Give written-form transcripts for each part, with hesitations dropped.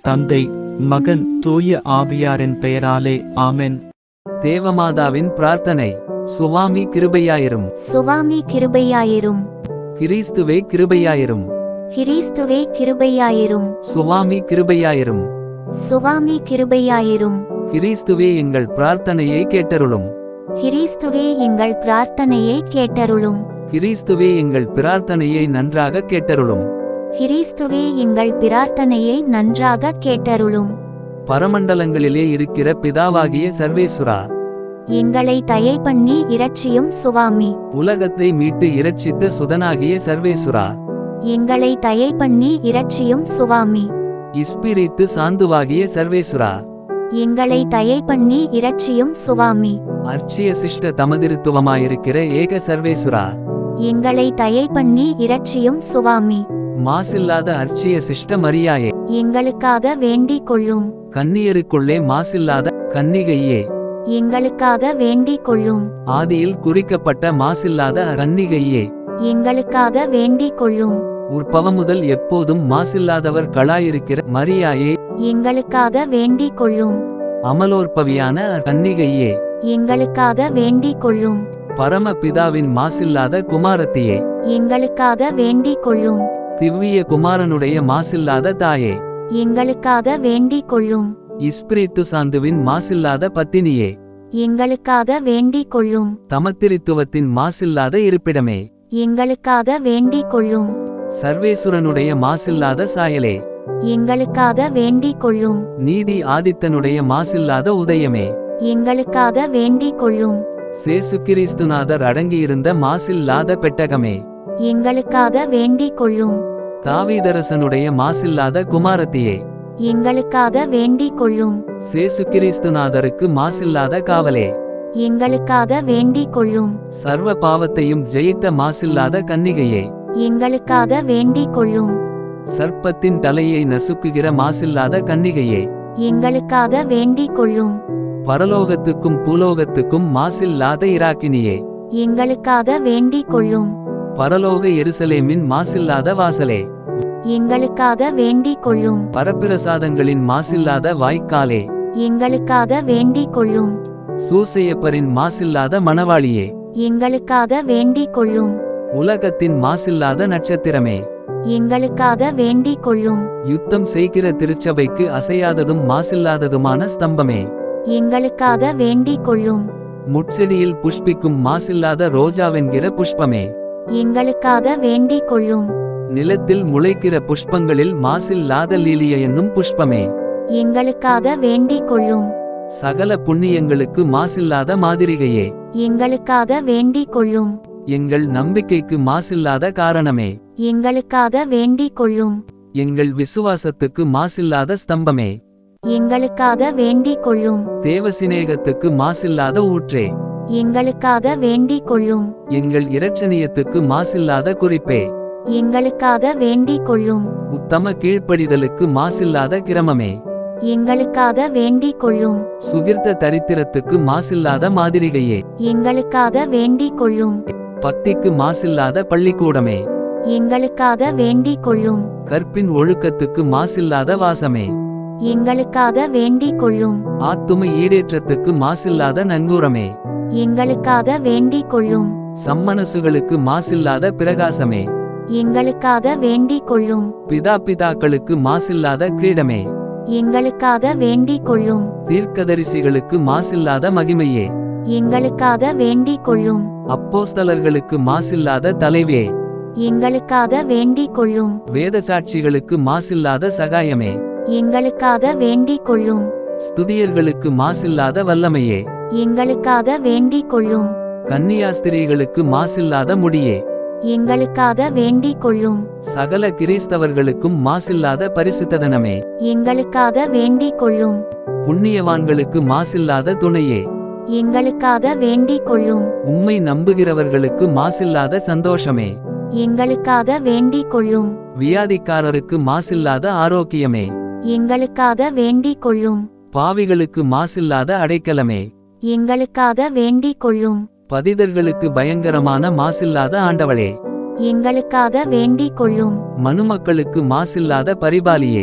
தந்தை, மகன், தூய ஆவியாரின் பெயராலே ஆமென். தேவமாதாவின் பிரார்த்தனை. சுவாமி கிருபையாயிரும். சுவாமி கிருபையாயிரும். கிறிஸ்துவே கிருபையாயிரும். கிறிஸ்துவே கிருபையாயிரும். சுவாமி கிருபையாயிரும். சுவாமி கிருபையாயிரும். கிறிஸ்துவே எங்கள் பிரார்த்தனையை கேட்டருளும். கிறிஸ்துவே எங்கள் பிரார்த்தனையை கேட்டருளும். கிறிஸ்துவே எங்கள் பிரார்த்தனையை நன்றாக கேட்டருளும். கிறிஸ்துவே எங்கள் பிரார்த்தனையை நன்றாக கேட்டருளும். பரமண்டலங்களிலே இருக்கிற பிதாவாகிய சர்வேசுரா, எங்களை தயை பண்ணி இரட்சியும் சுவாமி. உலகத்தை மீட்டு இரட்சித்த சுதனாகிய சர்வேசுரா, எங்களை தயை பண்ணி இரட்சியும் சுவாமி. இஸ்பிரித்து சாந்துவாகிய சர்வேசுரா, எங்களை தயை பண்ணி இரட்சியும் சுவாமி. அர்ச்சிய சிஷ்ட தமதிருத்துவமாயிருக்கிற ஏக சர்வேசுரா, எங்களை தயை பண்ணி இரட்சியும் சுவாமி. மாசில்லாத அர்ச்சிய சிஷ்ட மரியாயே, எங்களுக்காக வேண்டிக் கொள்ளும். கன்னியருக்குள்ளே மாசில்லாத கன்னிகையே, எங்களுக்காக வேண்டிக் கொள்ளும். ஆதியில் குறிக்கப்பட்ட மாசில்லாத கன்னிகையே, எங்களுக்காக வேண்டிக் கொள்ளும். உற்பவமுதல் எப்போதும் மாசில்லாதவர் களாயிருக்கிற மரியாயே, எங்களுக்காக வேண்டிக் கொள்ளும். அமலோற்பவியான கன்னிகையே, எங்களுக்காக வேண்டிக் கொள்ளும். பரமபிதாவின் மாசில்லாத குமாரத்தியே, எங்களுக்காக வேண்டிக் கொள்ளும். திவ்விய குமாரனுடைய மாசில்லாத தாயே, எங்களுக்காக வேண்டிக் கொள்ளும். இஸ்பிரித்து சாந்துவின் மாசில்லாத பத்தினியே, எங்களுக்காக வேண்டிக் கொள்ளும். தமத்திரித்துவத்தின் மாசில்லாத இருப்பிடமே, எங்களுக்காக வேண்டிக் கொள்ளும். சர்வேசுரனுடைய மாசில்லாத சாயலே, எங்களுக்காக வேண்டிக் கொள்ளும். நீதி ஆதித்தனுடைய மாசில்லாத உதயமே, எங்களுக்காக வேண்டிக் கொள்ளும். சேசு கிறிஸ்துநாதர் அடங்கியிருந்த மாசில்லாத பெட்டகமே, எங்களுக்காக வேண்டிக் கொள்ளும். தாவீதரசனுடைய மாசில்லாத குமாரத்தியே, எங்களுக்காக வேண்டிக் கொள்ளும். சேசு கிறிஸ்துநாதருக்கு மாசில்லாத காவலே, எங்களுக்காக வேண்டிக் கொள்ளும். சர்வ பாவத்தையும் ஜெயித்த மாசில்லாத கன்னிகையே, எங்களுக்காக வேண்டிக் கொள்ளும். சர்ப்பத்தின் தலையை நசுக்குகிற மாசில்லாத கன்னிகையே, எங்களுக்காக வேண்டிக் கொள்ளும். பரலோகத்துக்கும் பூலோகத்துக்கும் மாசில்லாத இராக்கினியே, எங்களுக்காக வேண்டிக் கொள்ளும். பரலோக எருசலேமின் மாசில்லாத வாசலே, எங்களுக்காக வேண்டிக் கொள்ளும். பரப்பிரசாதங்களின் மாசில்லாத வாய்க்காலே, எங்களுக்காக வேண்டிக் கொள்ளும். சூசையப்பரின் மாசில்லாத மணவாளியே, எங்களுக்காக வேண்டிக் கொள்ளும். உலகத்தின் மாசில்லாத நட்சத்திரமே, எங்களுக்காக வேண்டிக் கொள்ளும். யுத்தம் செய்கிற திருச்சபைக்கு அசையாததும் மாசில்லாததுமான ஸ்தம்பமே, எங்களுக்காக வேண்டிக் கொள்ளும். முட்செடியில் புஷ்பிக்கும் மாசில்லாத ரோஜாவென்கிற புஷ்பமே, எங்களுக்காக வேண்டிக் கொள்ளும். நிலத்தில் முளைக்கிற புஷ்பங்களில் மாசில்லாத லீலிய என்னும் புஷ்பமே, எங்களுக்காக வேண்டிக் கொள்ளும். சகல புண்ணியங்களுக்கு மாசில்லாத மாதிரிகையே, எங்களுக்காக வேண்டிக் கொள்ளும். எங்கள் நம்பிக்கைக்கு மாசில்லாத காரணமே, எங்களுக்காக வேண்டிக் கொள்ளும். எங்கள் விசுவாசத்துக்கு மாசில்லாத ஸ்தம்பமே, எங்களுக்காக வேண்டிக் கொள்ளும். தேவசிநேகத்துக்கு மாசில்லாத ஊற்றே, எங்களுக்காக வேண்டிக் கொள்ளும். எங்கள் இரட்சணியத்துக்கு மாசில்லாத குறிப்பே, எங்களுக்காக வேண்டிக் கொள்ளும். உத்தம கீழ்ப்படிதலுக்கு மாசில்லாத கிரமமே, எங்களுக்காக வேண்டிக் கொள்ளும். சுகிர்த்த தரித்திரத்துக்கு மாசில்லாத மாதிரிகையே, எங்களுக்காக வேண்டிக் கொள்ளும். பக்திக்கு மாசில்லாத பள்ளிக்கூடமே, எங்களுக்காக வேண்டிக் கொள்ளும். கற்பின் ஒழுக்கத்துக்கு மாசில்லாத வாசமே, எங்களுக்காக வேண்டிக் கொள்ளும். ஆத்தும ஈடேற்றத்துக்கு மாசில்லாத நங்கூரமே, எங்களுக்காக வேண்டிக் கொள்ளும். சம்மனசுகளுக்கு மாசில்லாத பிரகாசமே, எங்களுக்காக வேண்டிக் கொள்ளும். பிதாக்களுக்கு மாசில்லாத கிரீடமே, எங்களுக்காக வேண்டிக் கொள்ளும். தீர்க்கதரிசிகளுக்கு மாசில்லாத மகிமையே, எங்களுக்காக வேண்டிக் கொள்ளும். அப்போஸ்தலர்களுக்கு மாசில்லாத தலைவே, எங்களுக்காக வேண்டிக் கொள்ளும். வேதசாட்சிகளுக்கு மாசில்லாத சகாயமே, எங்களுக்காக வேண்டிக் கொள்ளும். ஸ்துதியர்களுக்கு மாசில்லாத வல்லமையே, எங்களுக்காக வேண்டிக் கொள்ளும். கன்னியாஸ்திரிகளுக்கு மாசில்லாத முடியே, எங்களுக்காக வேண்டிக் கொள்ளும். சகல கிறிஸ்தவர்களுக்கும் மாசில்லாத பரிசுத்ததனமே, எங்களுக்காக வேண்டிக் கொள்ளும். புண்ணியவான்களுக்கு மாசில்லாத துணையே, எங்களுக்காக வேண்டிக் கொள்ளும். உம்மை நம்புகிறவர்களுக்கு மாசில்லாத சந்தோஷமே, எங்களுக்காக வேண்டிக் கொள்ளும். வியாதிக்காரருக்கு மாசில்லாத ஆரோக்கியமே, எங்களுக்காக வேண்டிக் கொள்ளும். பாவிகளுக்கு மாசில்லாத அடைக்கலமே, எங்களுக்காக வேண்டிக் கொள்ளும். பதிதர்களுக்கு பயங்கரமான மாசில்லாத ஆண்டவளே, எங்களுக்காக வேண்டிக் கொள்ளும். மனுமக்களுக்கு மாசில்லாத பரிபாலியே,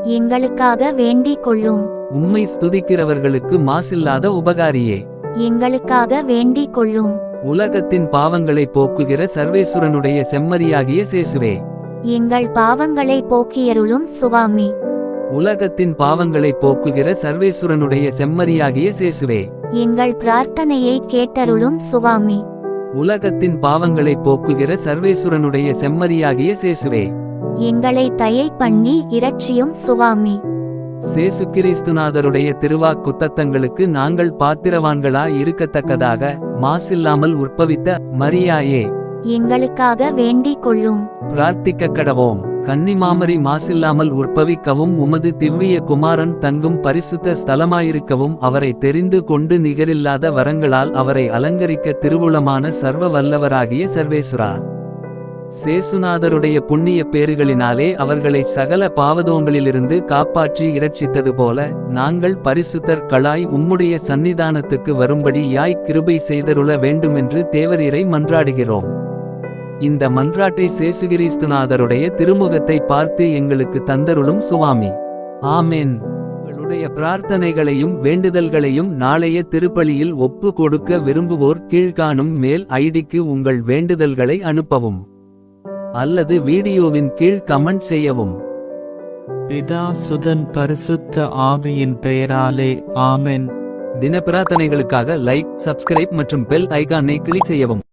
எங்களுக்காக வேண்டிக் கொள்ளும். உம்மை ஸ்துதிக்கிறவர்களுக்கு மாசில்லாத உபகாரியே, எங்களுக்காக வேண்டிக் கொள்ளும். உலகத்தின் பாவங்களை போக்குகிற சர்வேசுரனுடைய செம்மறியாகிய சேசுவே, எங்கள் பாவங்களை போக்கியருளும் சுவாமி. உலகத்தின் பாவங்களை போக்குகிற சர்வேசுரனுடைய செம்மறியாகிய சேசுவே, எங்கள் பிரார்த்தனையை கேட்டருளும் சுவாமி. உலகத்தின் பாவங்களை போக்குகிற சர்வேசுரனுடைய செம்மறியாகிய சேசுவே, எங்களை தயை பண்ணி இரட்சியும் சுவாமி. சேசு கிறிஸ்துநாதருடைய திருவாக்குத்தத்தங்களுக்கு நாங்கள் பாத்திரவான்களா இருக்கத்தக்கதாக மாசில்லாமல் உற்பவித்த மரியாயே, எங்களுக்காக வேண்டிக் கொள்ளும். பிரார்த்திக்க கடவோம். கன்னிமாமரி மாசில்லாமல் உற்பவிக்கவும் உமது திவ்விய குமாரன் தங்கும் பரிசுத்த ஸ்தலமாயிருக்கவும் அவரை தெரிந்து கொண்டு நிகரில்லாத வரங்களால் அவரை அலங்கரிக்க திருவுளமான சர்வ வல்லவராகிய சர்வேசுரா, சேசுநாதருடைய புண்ணிய பேறுகளினாலே அவர்களை சகல பாவதோங்களிலிருந்து காப்பாற்றி இரட்சித்தது போல நாங்கள் பரிசுத்தர்களாய் உம்முடைய சந்நிதானத்துக்கு வரும்படி கிருபை செய்தருள வேண்டுமென்று தேவரீரை மன்றாடுகிறோம். இந்த மன்றாட்டை சேசுகிறிஸ்துநாதருடைய திருமுகத்தை பார்த்து எங்களுக்கு தந்தருளும் சுவாமி. ஆமென். உங்களுடைய பிரார்த்தனைகளையும் வேண்டுதல்களையும் நாளைய திருப்பலியில் ஒப்பு கொடுக்க விரும்புவோர் கீழ்காணும் மேல் ஐடிக்கு உங்கள் வேண்டுதல்களை அனுப்பவும் அல்லது வீடியோவின் கீழ் கமெண்ட் செய்யவும். பிதா சுதன் பரிசுத்த ஆவியின் பெயராலே ஆமென். தின பிரார்த்தனைகளுக்காக லைக், சப்ஸ்கிரைப் மற்றும் பெல் ஐகானை கிளிக் செய்யவும்.